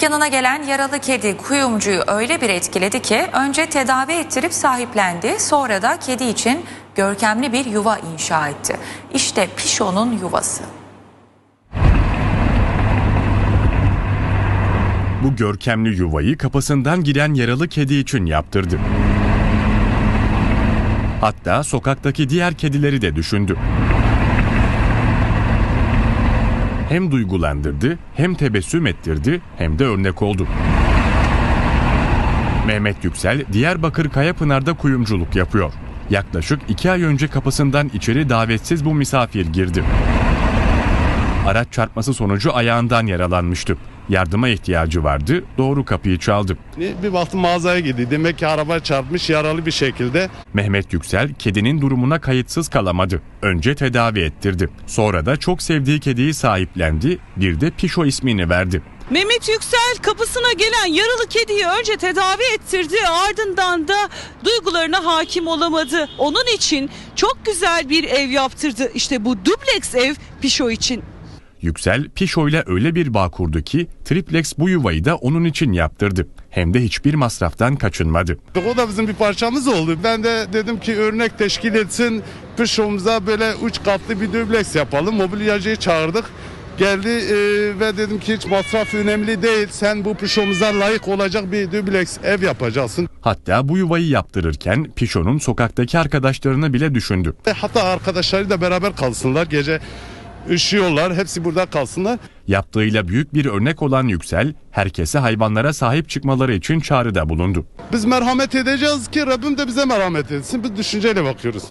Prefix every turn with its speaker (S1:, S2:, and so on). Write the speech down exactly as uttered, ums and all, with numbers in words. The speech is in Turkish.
S1: Dükkanına gelen yaralı kedi kuyumcuyu öyle bir etkiledi ki önce tedavi ettirip sahiplendi, sonra da kedi için görkemli bir yuva inşa etti. İşte Pişo'nun yuvası.
S2: Bu görkemli yuvayı kapısından giren yaralı kedi için yaptırdı. Hatta sokaktaki diğer kedileri de düşündü. Hem duygulandırdı, hem tebessüm ettirdi, hem de örnek oldu. Mehmet Yüksel, Diyarbakır Kayapınar'da kuyumculuk yapıyor. Yaklaşık iki ay önce kapısından içeri davetsiz bu misafir girdi. Araç çarpması sonucu ayağından yaralanmıştı. Yardıma ihtiyacı vardı, doğru kapıyı çaldı.
S3: Bir baktım mağazaya gidiyor. Demek ki araba çarpmış yaralı bir şekilde.
S2: Mehmet Yüksel kedinin durumuna kayıtsız kalamadı. Önce tedavi ettirdi. Sonra da çok sevdiği kediyi sahiplendi, bir de Pişo ismini verdi.
S4: Mehmet Yüksel kapısına gelen yaralı kediyi önce tedavi ettirdi, ardından da duygularına hakim olamadı. Onun için çok güzel bir ev yaptırdı. İşte bu dubleks ev Pişo için.
S2: Yüksel, Pişo ile öyle bir bağ kurdu ki triplex bu yuvayı da onun için yaptırdı. Hem de hiçbir masraftan kaçınmadı.
S3: O da bizim bir parçamız oldu. Ben de dedim ki örnek teşkil etsin. Pişo'muza böyle üç katlı bir dubleks yapalım. Mobilyacıyı çağırdık. Geldi e, ve dedim ki hiç masraf önemli değil. Sen bu Pişo'muza layık olacak bir dubleks ev yapacaksın.
S2: Hatta bu yuvayı yaptırırken Pişo'nun sokaktaki arkadaşlarını bile düşündü.
S3: E, hatta arkadaşları da beraber kalsınlar. Gece üşüyorlar. Hepsi burada kalsınlar.
S2: Yaptığıyla büyük bir örnek olan Yüksel, herkese hayvanlara sahip çıkmaları için çağrıda bulundu.
S3: Biz merhamet edeceğiz ki Rabbim de bize merhamet etsin. Biz düşünceyle bakıyoruz.